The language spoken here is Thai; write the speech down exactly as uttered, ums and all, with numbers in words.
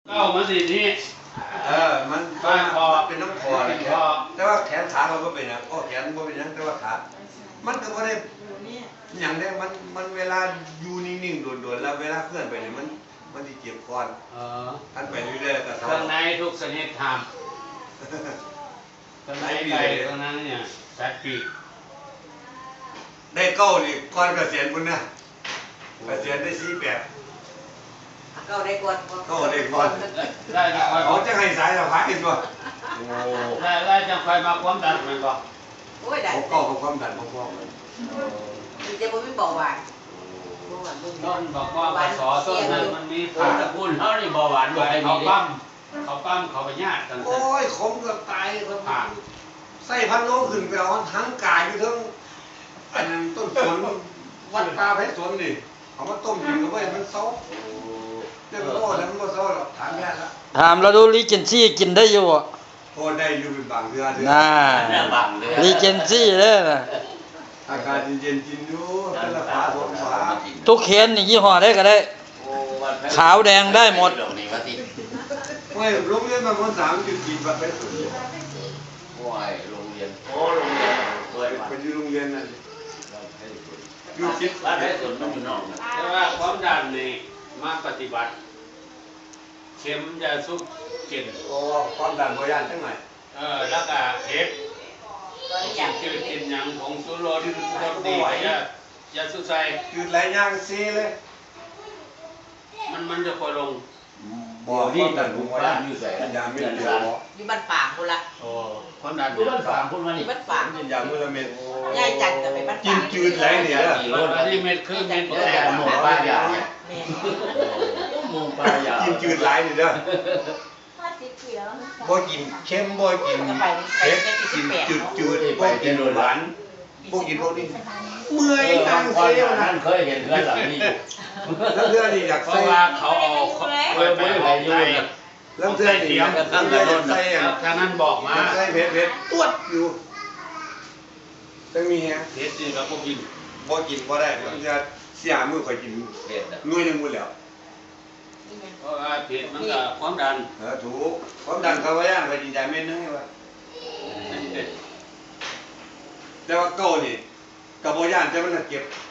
เก้ามันสินี่เออมันบ้านคอเป็นน้ำคอเลยแต่ว่าแขนขาเราก็เป็นนะก็แขนก็เป็นนะแต่ว่าขามันก็ไม่ได้อย่างนี้มันมันเวลาอยู่นิ่งๆโดดๆแล้วเวลาเคลื่อนไปเนี่ยมันมันจะเจ็บคอท่านไปเรื่อยๆก็เครื่องในทุกชนิดทำเครื่องในไก่เครื่องนั้นเนี่ยสัตว์ปีกได้เก้านี่ก่อนเกษียณคุณนะเกษียณได้สี่แปดเก้าได้ก่อนเก้าได้ก่อนได้จะคอยเขาจะให้สายสะพายกันบ่ได้ได้จะคอยมาความดันมันบ่โอ้ยได้เขาเก้ากับความดันพร้อมๆกันดีเจผมไม่บอกว่าต้นบอกว่าภาษาต้นนั้นมันมีผ่าตะกุนเขานี่เบาหวานบ่ให้เขาปั้มเขาปั้มเขาไปญาติกันโอ้ยขมกับตายครับใส่พันโลขึ้นไปเอาทั้งกายอยู่ทั้งอันต้นสนวัดปลาเพชรสนนี่เอามาต้มกินกันไว้มันเศร้าเรื่องโอ้แล้วมันก็เศร้าหรอกถามแม่ละถามเราดูลีเจนซี่กินได้อยู่อ่ะโอ้ได้อยู่เป็นบางเดือนน่าลีเจนซี่เลยนะอากาศเย็นๆกินอยู่แต่ละฝาสองฝาทุกเคนนี่ยี่ห้อได้ก็ได้ขาวแดงได้หมดไม่โรงเรียนบางคนสามจุดกินแบบเพชรสนโอ้ยโรงเรียนโอ้โรงเรียนเคยเป็นอยู่โรงเรียนนั่นอยู่คิดบ้านเพชรสนมันอยู่นอกนะแต่ว่าความดันนี่มาปฏิบัติเข็มยาซุปกินโอ้ความดันบ่ย่านจังไหนเออแล้วก็เห็ดกินจืดกินหยังผงชูรสรสดียายาสุใส่จืดหลายอย่างซีเลยมันมันจะพอลงบ่นี่ดันผมว่าอยู่ใส่ยาเม็ดเดียวอยู่บ้านฝางคนละโอ้ความดันอยู่บ้านฝางคนมานี่บ้านฝางกินยามื้อละเม็ดยายจันกับไปบ้านฝางกินจืดหลายเนี่ยอันนี้เม็ดคือเม็ดแตกหมูปลายาเนี่ยหมูปลายากินจืดหลายนี่เด้อบ่กินเค็มบ่กินเผ็ดกินจืดจืดบ่กินหวานบ่กินพวกนี้เมื่อยทางเสียวนั่นเคยเห็นเพื่อนหลังนี้แล้วเพื่อนนี่อยากเพราะว่าเขาเอาเคยไปเอาใจแล้วเพื่อนนี่อยากตั้งแต่ต้นใส่ทางนั้นบอกมาใส่เผ็ดเผ็ดตวดอยู่ต้องมีฮะเผ็ดนี่ก็บ่กินบ่กินบ่ได้มันจะเสียมื้อค่อยกินเผ็ดหน่วยนึงหมดแล้วเพราะว่าเผ็ดมันก็ความดันเออถูกความดันเขาว่าย่างไปกินยาเม็ดนึงไงวะแต่ว่าเก่านี่กับบ่ย่านแต่มันเก็บ